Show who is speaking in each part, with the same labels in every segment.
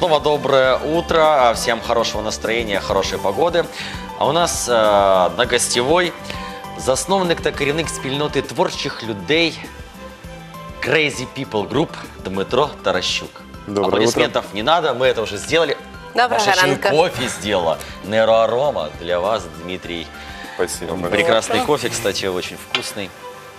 Speaker 1: снова доброе утро, всем хорошего настроения, хорошей погоди. А у нас на гостєвой засновник та керівник спільноти творчих людей Crazy People Group Дмитро Таращук.
Speaker 2: Доброе
Speaker 1: Аплодисментов не надо, мы это уже сделали.
Speaker 3: Доброго
Speaker 1: Маша
Speaker 3: ранка.
Speaker 1: кофе сделала. Нейроарома для вас, Дмитрий.
Speaker 2: Спасибо.
Speaker 1: Прекрасный кофе, кстати, очень вкусный.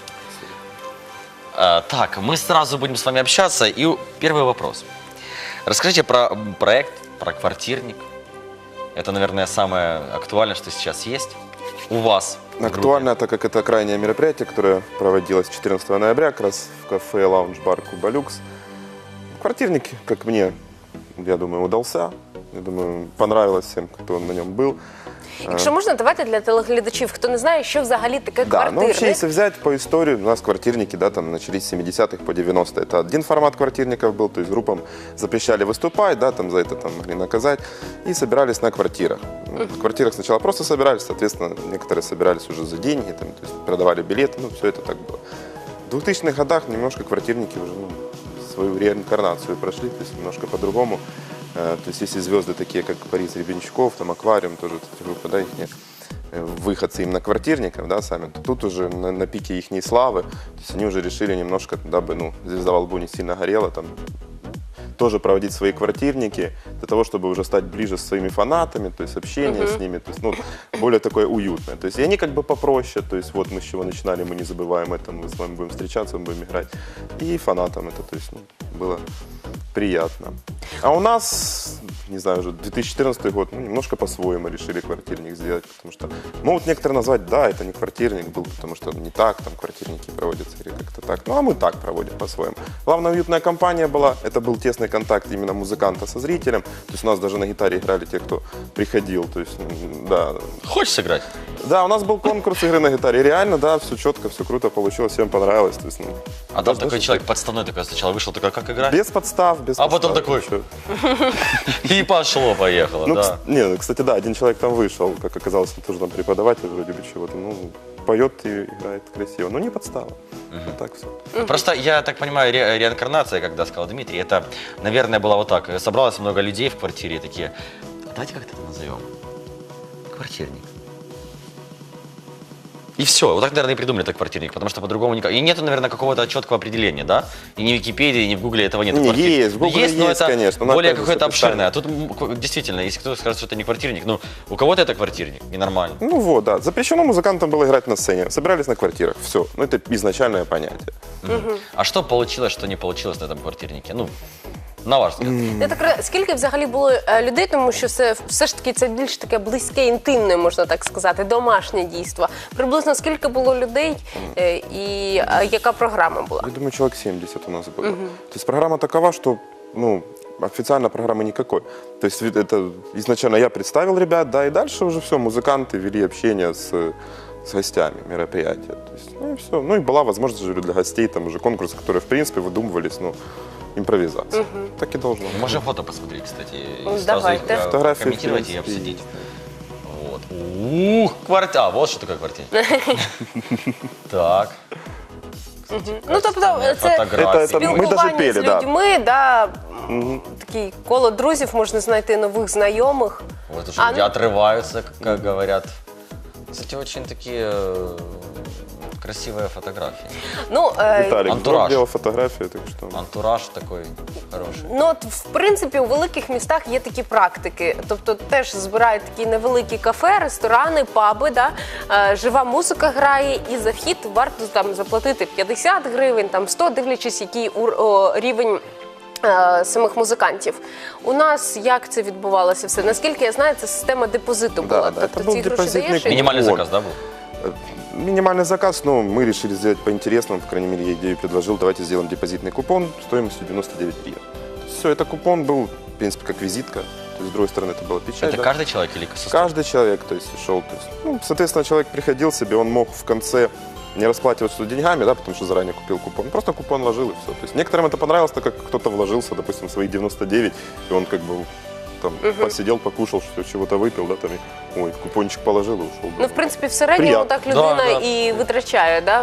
Speaker 1: Так, мы сразу будем с вами общаться. И первый вопрос. Расскажите про проект, про квартирник. Это, наверное, самое актуальное, что сейчас есть у вас.
Speaker 2: Актуально, так как это крайнее мероприятие, которое проводилось 14 ноября, как раз в кафе «Лаунж-бар Куба Люкс». Квартирник, как мне, я думаю, удался. Я думаю, понравилось всем, кто на нем был.
Speaker 3: Якщо можна, давайте для телеглядачів, хто не знає, що взагалі таке
Speaker 2: Да, ну вообще,
Speaker 3: квартирник.
Speaker 2: если взять по истории, у нас квартирники, да, там начались с 70-х по 90-е. Это один формат квартирников был, то есть группам запрещали выступать, да, там за это там могли наказать, и собирались на квартирах. В квартирах сначала просто собирались, соответственно, некоторые собирались уже за деньги, там, то есть продавали билеты, ну, все это так было. В 2000-х годах немножко квартирники уже свою реинкарнацию прошли, то есть немножко по-другому. То есть если звезды такие, как Борис Гребенщиков, там Аквариум, тоже эти группы, да, их выходцы именно квартирников, да, сами, то тут уже на пике их славы, то есть они уже решили немножко, дабы, ну, звезда во лбу не сильно горела, там, тоже проводить свои квартирники для того, чтобы уже стать ближе с своими фанатами, то есть общение с ними, то есть, ну, более такое уютное. То есть и они как бы попроще, то есть вот мы с чего начинали, мы не забываем это, мы с вами будем встречаться, мы будем играть. И фанатам это, то есть, ну, было приятно. А у нас, не знаю, уже 2014 год, ну, немножко по-своему решили квартирник сделать, потому что могут некоторые назвать, да, это не квартирник был, потому что не так там квартирники проводятся или как-то так. Ну, а мы так проводим по-своему. Главное, уютная компания была, это был тесный контакт именно музыканта со зрителем, то есть у нас даже на гитаре играли те, кто приходил, то есть, да.
Speaker 1: Хочешь сыграть?
Speaker 2: Да, у нас был конкурс игры на гитаре, реально, да, все четко, все круто получилось, всем понравилось, то есть, ну,
Speaker 1: А там такой человек подставной такой сначала вышел, такой, как играть?
Speaker 2: без подстав, без
Speaker 1: А
Speaker 2: подстав,
Speaker 1: потом такой,
Speaker 2: ничего.
Speaker 1: и пошло-поехало,
Speaker 2: Ну,
Speaker 1: да.
Speaker 2: не, кстати, да, один человек там вышел, как оказалось, он тоже там преподаватель вроде бы чего-то, ну, поет и играет красиво, но не подстава, вот так все.
Speaker 1: Просто, я так понимаю, реинкарнация, когда сказал Дмитрий, это, наверное, было вот так. Собралось много людей в квартире и такие, «А давайте как-то это назовем. Квартирник. И все. Вот так, наверное, и придумали этот квартирник, потому что по-другому никак. И нету, наверное, какого-то четкого определения, да? И ни в Википедии, ни в Гугле этого нет.
Speaker 2: Не, есть, в Гугле
Speaker 1: но
Speaker 2: есть,
Speaker 1: это
Speaker 2: конечно, но
Speaker 1: более
Speaker 2: опять же,
Speaker 1: какое-то
Speaker 2: с описанием.
Speaker 1: обширное. А тут действительно, если кто-то скажет, что это не квартирник, ну, у кого-то это квартирник, ненормально.
Speaker 2: Ну вот, да, запрещено музыкантам было играть на сцене, собирались на квартирах, все, ну это изначальное понятие.
Speaker 1: А что получилось, что не получилось на этом квартирнике? Ну, на ваш взгляд.
Speaker 3: Я так, скільки взагалі було людей, тому що все ж таки це більш таке близьке, інтимне, можна так сказати, домашнє дійство. Приблизно скільки було людей і яка програма була?
Speaker 2: Я думаю, человек 70 у нас было. То есть программа такова, что, ну, официально программы никакой. То есть это изначально я представил ребят, да, и дальше уже все, музыканты вели общение с гостями мероприятия. То есть, ну и все. Ну и была возможность же для гостей, там уже конкурсы, которые в принципе выдумывались, ну, импровизация. Так и должно быть.
Speaker 1: Можем фото посмотреть, кстати, и
Speaker 3: Ну,
Speaker 1: сразу их
Speaker 3: давайте.
Speaker 2: Фотографии,
Speaker 1: комментировать
Speaker 2: в
Speaker 1: и
Speaker 2: принципе,
Speaker 1: обсудить. Вот. Ух, квартира. А, вот что такое квартирник. Так.
Speaker 3: Ну, тобто, це
Speaker 1: Фотографії.
Speaker 2: Це ми даже
Speaker 3: спілкування
Speaker 2: пели,
Speaker 3: з
Speaker 2: да.
Speaker 3: людьми, да, таке коло друзів, можна знайти нових знайомих.
Speaker 1: Вот уже
Speaker 3: А,
Speaker 1: люди
Speaker 3: ну-
Speaker 1: отрываются, как говорят. Кстати, очень такие красивые фотографии.
Speaker 3: Ну,
Speaker 2: Виталик
Speaker 1: Антураж.
Speaker 2: делал фотографии, так что...
Speaker 1: Антураж такой хороший.
Speaker 3: Ну, от, в принципі, у великих містах є такі практики. Тобто теж збирають такі невеликі кафе, ресторани, паби, да? Жива музика грає, і за вхід варто там заплатити 50 гривень, там 100, дивлячись, який рівень самих музикантів. У нас як це відбувалося все? Наскільки я знаю, це система депозиту була.
Speaker 2: да,
Speaker 3: Тобто
Speaker 2: це
Speaker 3: ці
Speaker 2: був
Speaker 3: гроші
Speaker 2: депозитний
Speaker 3: даєш і...
Speaker 1: Минимальный
Speaker 2: Вот.
Speaker 1: заказ, да, был?
Speaker 2: Минимальный заказ, но мы решили сделать по-интересному, по крайней мере, я идею предложил, давайте сделаем депозитный купон стоимостью 99 гривен. Все, это купон был, в принципе, как визитка, то есть, с другой стороны, это была печать.
Speaker 1: Это
Speaker 2: да.
Speaker 1: каждый человек или состав?
Speaker 2: Каждый человек, то есть, шел, то есть, ну, соответственно, человек приходил себе, он мог в конце не расплачиваться деньгами, да, потому что заранее купил купон, просто купон вложил и все. То есть некоторым это понравилось, так как кто-то вложился, допустим, свои 99, и он как бы там посидел, покушал, чего-то выпил, да, там, и, ой, купончик положил и ушел.
Speaker 3: Ну, в принципі, в середньому
Speaker 2: Приятно.
Speaker 3: так людина
Speaker 1: Да, да.
Speaker 3: і витрачає, да?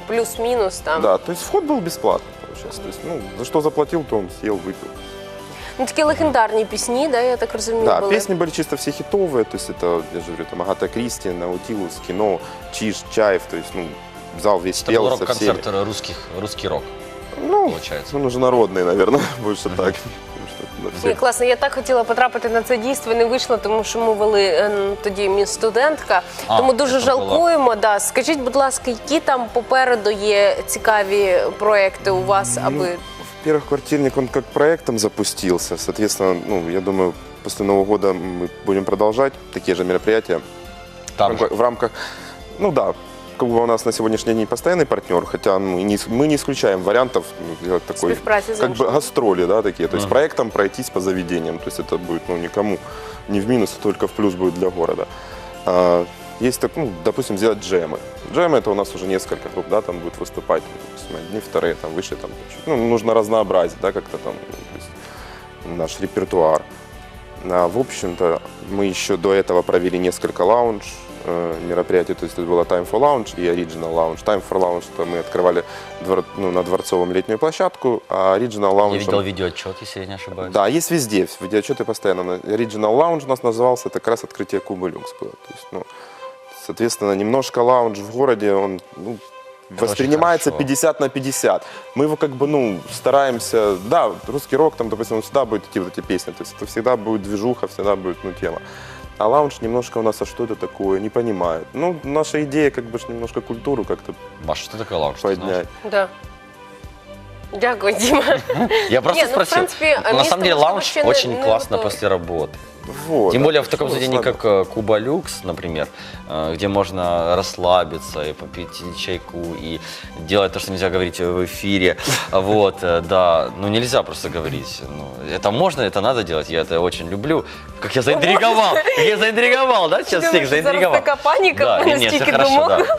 Speaker 3: Плюс-мінус там.
Speaker 2: Да, то есть вход был бесплатный, получается. То есть, ну, за что заплатил, то он съел, выпил.
Speaker 3: Ну, такі легендарні пісні, да, я так розумію,
Speaker 2: Да,
Speaker 3: були.
Speaker 2: песни были чисто все хитовые, то есть это, я же говорю, там Агата Кристи, Наутилус, Кино, Чиж, Чаев, то есть, ну, зал весь
Speaker 1: Это был
Speaker 2: пел со всеми.
Speaker 1: рок-концерт русский рок,
Speaker 2: Ну,
Speaker 1: получается.
Speaker 2: он уже народный, наверное, больше так. Потому что, да,
Speaker 3: Ні,
Speaker 2: все-
Speaker 3: класно. Я так хотіла потрапити на це дійство, не вийшло, тому що ми вели тоді міс студентка.
Speaker 1: А,
Speaker 3: Тому дуже
Speaker 1: це було.
Speaker 3: жалкуємо. Да. Скажіть, будь ласка, які там попереду є цікаві проекти у вас, аби
Speaker 2: Во-первых, квартирник, он как проектом запустился. Соответственно, ну, я думаю, после Нового года мы будем продолжать такие же мероприятия.
Speaker 1: Там же.
Speaker 2: В рамках, ну да, как бы у нас на сегодняшний день постоянный партнер, хотя ну, мы не исключаем вариантов ну, делать такой,
Speaker 3: співпраці з
Speaker 2: как бы
Speaker 3: іншими?
Speaker 2: гастроли, да, такие. То есть проектом пройтись по заведениям. То есть это будет, ну, никому не в минус, а только в плюс будет для города. Есть, так, ну, допустим, сделать джемы. Джемы это у нас уже несколько групп, да, там будет выступать, допустим, одни, вторые, там, выше, там, чуть. Ну, нужно разнообразить, да, как-то там, ну, то есть наш репертуар. В общем-то, мы еще до этого провели несколько лаунж мероприятий, то есть это было Time for Lounge и Original Lounge. Time for Lounge, это мы открывали на Дворцовом летнюю площадку, а Original Lounge...
Speaker 1: Я видел видеоотчет, если я не ошибаюсь.
Speaker 2: Да, есть везде, видеоотчеты постоянно. Original Lounge у нас назывался, это как раз открытие Кубы Люкс было. То есть, ну, соответственно, немножко лаунж в городе, он ну, воспринимается
Speaker 1: очень хорошо.
Speaker 2: 50 на 50. Мы его как бы, ну, стараемся, да, русский рок, там, допустим, всегда будет идти вот эти песни, то есть это всегда будет движуха, всегда будет, ну, тема. А лаунж немножко у нас, а что это такое, не понимают. Ну, наша идея, как бы, ж немножко культуру как-то
Speaker 1: Маша, что такое лаунж? ты знаешь?
Speaker 2: поднять.
Speaker 3: Да. Дякую, Діма.
Speaker 1: Я просто
Speaker 3: Не, ну, в
Speaker 1: спросил.
Speaker 3: принципе,
Speaker 1: На
Speaker 3: место,
Speaker 1: самом деле
Speaker 3: может,
Speaker 1: лаунж
Speaker 3: вообще не-
Speaker 1: очень
Speaker 3: не
Speaker 1: классно
Speaker 3: готово.
Speaker 1: после работы.
Speaker 2: Вот,
Speaker 1: Тем
Speaker 2: да,
Speaker 1: более в таком
Speaker 2: что
Speaker 1: заведении,
Speaker 2: слабо.
Speaker 1: как Куба Люкс, например, где можно расслабиться и попить чайку, и делать то, что нельзя говорить в эфире. Вот, да, ну нельзя просто говорить. Ну, это можно, это надо делать, я это очень люблю. Как я заинтриговал, как я заинтриговал, да, сейчас всех
Speaker 3: Думаешь,
Speaker 1: заинтриговал.
Speaker 3: зараз така паніка,
Speaker 1: Да,
Speaker 3: в мене
Speaker 1: не, все
Speaker 3: стільки
Speaker 1: хорошо,
Speaker 3: думок.
Speaker 1: да.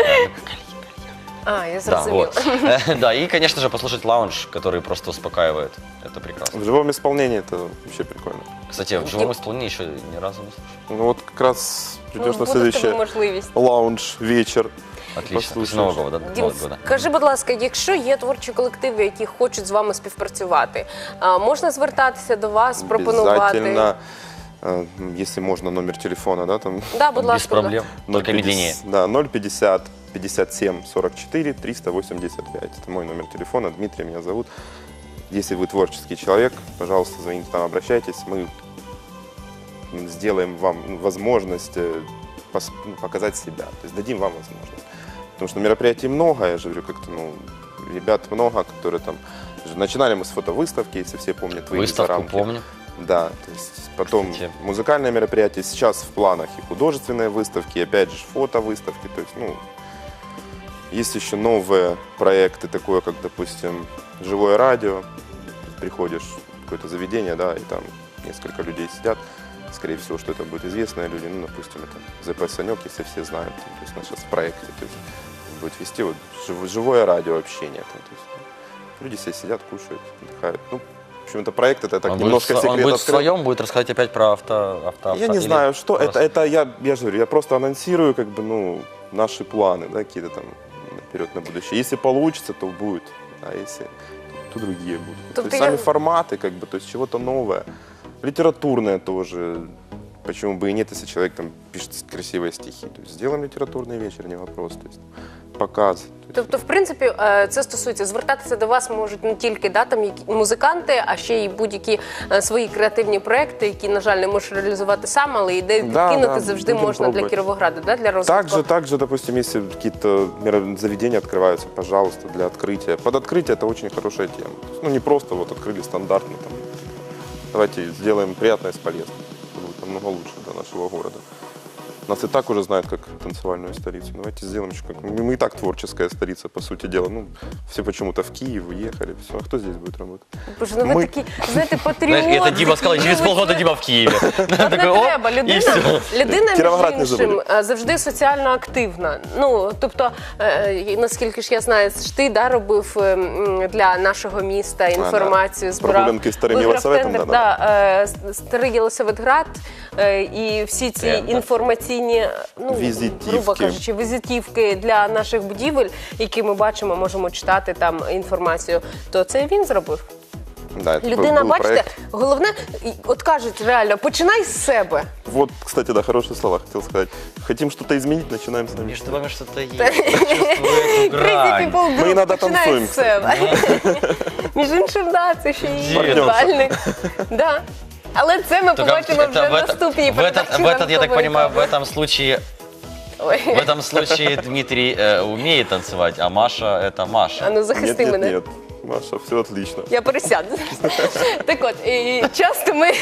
Speaker 3: А, я
Speaker 1: Да,
Speaker 3: зрозуміла.
Speaker 1: вот. Да, и, конечно же, послушать лаунж, который просто успокаивает. Это прекрасно.
Speaker 2: В живом исполнении это вообще прикольно.
Speaker 1: Кстати, в живом исполнении еще ни разу не слушал.
Speaker 2: Ну вот как раз придешь на
Speaker 3: Буде в тебе
Speaker 2: следующий
Speaker 3: можливість.
Speaker 2: лаунж, вечер.
Speaker 1: Отлично. После
Speaker 2: Послушаешь.
Speaker 1: Нового года.
Speaker 3: Дім,
Speaker 1: Нового года.
Speaker 3: скажи, будь ласка, якщо є творчі колективи, які хочуть з вами співпрацювати, можна звертатися до вас, пропонувати?
Speaker 2: Обязательно, если можно, номер телефона, да, там
Speaker 3: Да, будь
Speaker 1: Без
Speaker 3: ласка.
Speaker 1: проблем. Только медленнее.
Speaker 2: Да, 050 57 44 385. Это мой номер телефона. Дмитрий меня зовут. Если вы творческий человек, пожалуйста, звоните нам, обращайтесь. Мы сделаем вам возможность показать себя. То есть дадим вам возможность. Потому что мероприятий много, я же говорю, как-то, ну, ребят много, которые там... Начинали мы с фотовыставки, если все помнят. «Выйди за
Speaker 1: Выставку
Speaker 2: рамки».
Speaker 1: помню.
Speaker 2: Да, то есть потом
Speaker 1: Кстати.
Speaker 2: музыкальные мероприятия. Сейчас в планах и художественные выставки, и опять же фотовыставки. То есть, ну, есть еще новые проекты, такое как, допустим, живое радио. Приходишь в какое-то заведение, да, и там несколько людей сидят. Скорее всего, что это будут известные люди. Ну, допустим, это ЗП «Санек», если все знают. То есть, у нас сейчас в проекте. То есть, будет вести вот живое радио общение. Там, то есть, люди все сидят, кушают, отдыхают. Ну, в общем, это проект, это так
Speaker 1: Он
Speaker 2: немножко
Speaker 1: будет, он
Speaker 2: секрет
Speaker 1: будет
Speaker 2: открыт.
Speaker 1: своем, будет рассказать опять про авто.
Speaker 2: Я не
Speaker 1: или
Speaker 2: знаю, что
Speaker 1: просто-
Speaker 2: это я же говорю, я просто анонсирую, как бы, ну, наши планы, да, какие-то там наперед на будущее. Если получится, то будет, а если то другие будут. То
Speaker 3: Тобто
Speaker 2: есть
Speaker 3: я-
Speaker 2: сами форматы, как бы, то есть чего-то новое, литературное тоже. Почему бы и нет, если человек там пишет красивые стихи. То есть сделаем литературный вечер, не вопрос. То есть показ. То есть,
Speaker 3: Тобто, в принципі, це стосується, звертатися до вас можуть не тільки там музиканти, а ще й будь-які свої креативні проекти, які, на жаль, не можеш реалізувати сам, але ідею
Speaker 2: Да,
Speaker 3: підкинути
Speaker 2: да,
Speaker 3: завжди
Speaker 2: будемо
Speaker 3: можна для
Speaker 2: пробувати.
Speaker 3: Кіровограда, для розвитку.
Speaker 2: Также, допустим, если какие-то заведения открываются, пожалуйста, для открытия. Под открытие это очень хорошая тема. То есть, ну, не просто вот открыли стандартно. Там, давайте сделаем приятное с полезным. Это будет намного лучше для нашего города. Нас и так уже знают как танцевальную столицу. Давайте сделаем еще как... Мы и так творческая столица, по сути дела. Ну, все почему-то в Киев уехали. Все. А кто здесь будет работать?
Speaker 3: Боже, ну ви
Speaker 2: Ми-
Speaker 3: такі, знаєте, патріоти.
Speaker 1: Знаешь, это Дима сказал, через полгода Дима в Киеве.
Speaker 3: От не треба. Людина
Speaker 2: Кіровоград не
Speaker 3: між іншим,
Speaker 2: забудь.
Speaker 3: завжди соціально активна. Ну, тобто, наскільки ж я знаю, ж ти робив для нашого міста інформацію, збирав.
Speaker 2: Прогулянки старим
Speaker 3: виграв
Speaker 2: Єлисаветом,
Speaker 3: тендер,
Speaker 2: да.
Speaker 3: Старий Єлисаветград і всі ці
Speaker 1: Тендер.
Speaker 3: інформаційні, ну,
Speaker 2: Візитівки.
Speaker 3: грубо кажучи, візитівки для наших будівель, які ми бачимо, можемо читати там інформацію, то це він зробив.
Speaker 2: Да, это
Speaker 3: Людина,
Speaker 2: был
Speaker 3: бачите,
Speaker 2: проект.
Speaker 3: головне, от кажуть реально, починай з себе.
Speaker 2: Вот, кстати, да, хорошие слова хотел сказать. Хотим что-то изменить, начинаем с нами.
Speaker 1: Между вами что-то есть. Я чувствую эту
Speaker 3: Crazy
Speaker 1: грань.
Speaker 3: People Group
Speaker 2: Ми іноді
Speaker 3: починає
Speaker 2: танцюємо,
Speaker 3: з себе. Між іншим, да, це ще і індивідуальний. Да. Але це ми
Speaker 1: Только
Speaker 3: побачимо вже в
Speaker 1: в
Speaker 3: наступній
Speaker 1: в этот, я так понимаю, в этом случае,
Speaker 3: Ой.
Speaker 1: в этом случае Дмитрий умеет танцевать, а Маша это
Speaker 3: А
Speaker 1: Маша.
Speaker 3: ну захисти
Speaker 2: Нет, нет,
Speaker 3: мене.
Speaker 2: нет. Маша, все отлично.
Speaker 3: Я пересяду. Так от, і часто ми...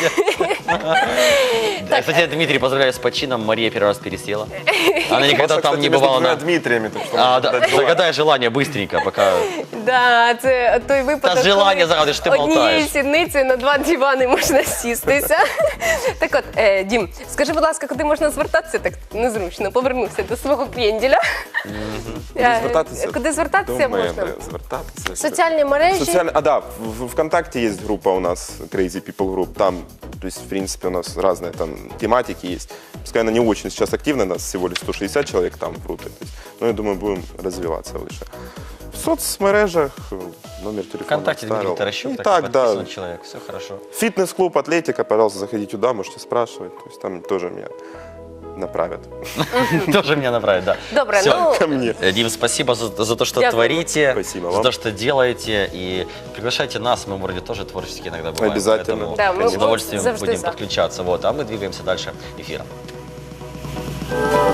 Speaker 1: Да, кстати, Дмитрий, поздравляю с почином. Мария первый раз пересела. Она никогда
Speaker 2: Маша,
Speaker 1: там
Speaker 2: кстати,
Speaker 1: не
Speaker 2: между
Speaker 1: бывала
Speaker 2: двумя
Speaker 1: на...
Speaker 2: Дмитриями, так что
Speaker 1: А,
Speaker 2: можно
Speaker 1: да,
Speaker 2: дать желание.
Speaker 1: загадай желание быстренько, пока...
Speaker 3: Да, це той випадок,
Speaker 1: Та желання
Speaker 3: коли
Speaker 1: загадуєш, ти
Speaker 3: однією
Speaker 1: болтаєш.
Speaker 3: сідницею на 2 дивани можна сістися. Так от, Дім, скажи, будь ласка, куди можна звертатися? Так незручно, повернувся до свого п'єнділя.
Speaker 2: Куди звертатися?
Speaker 3: Куди звертатися
Speaker 2: До мене
Speaker 3: можна?
Speaker 2: звертатися.
Speaker 3: Соціальні мережі.
Speaker 2: А, да, в ВКонтакте есть группа у нас, Crazy People Group, там, то есть, в принципе, у нас разные там тематики есть. Пускай она не очень сейчас активна, нас всего лишь 160 человек там в группе, то есть, но я думаю, будем развиваться выше. В соцмережах номер телефона
Speaker 1: ВКонтакте Дмитрий
Speaker 2: оставил.
Speaker 1: Таращук,
Speaker 2: И
Speaker 1: так
Speaker 2: так, да.
Speaker 1: подписан человек, все хорошо.
Speaker 2: Фитнес-клуб, атлетика, пожалуйста, заходите туда, можете спрашивать, то есть там тоже меня направят
Speaker 1: Тоже меня направить, да.
Speaker 3: Добре,
Speaker 1: Всё.
Speaker 3: ну,
Speaker 2: ко мне.
Speaker 1: Дим, спасибо за то, что
Speaker 3: Дякую.
Speaker 1: творите,
Speaker 2: Спасибо
Speaker 1: за
Speaker 2: вам.
Speaker 1: то, что делаете. И приглашайте нас, мы вроде тоже творчески иногда бываем.
Speaker 2: Обязательно.
Speaker 1: Поэтому
Speaker 3: Да, мы
Speaker 1: с удовольствием
Speaker 3: завжди
Speaker 1: будем
Speaker 3: за.
Speaker 1: подключаться. Вот, а мы двигаемся дальше эфиром.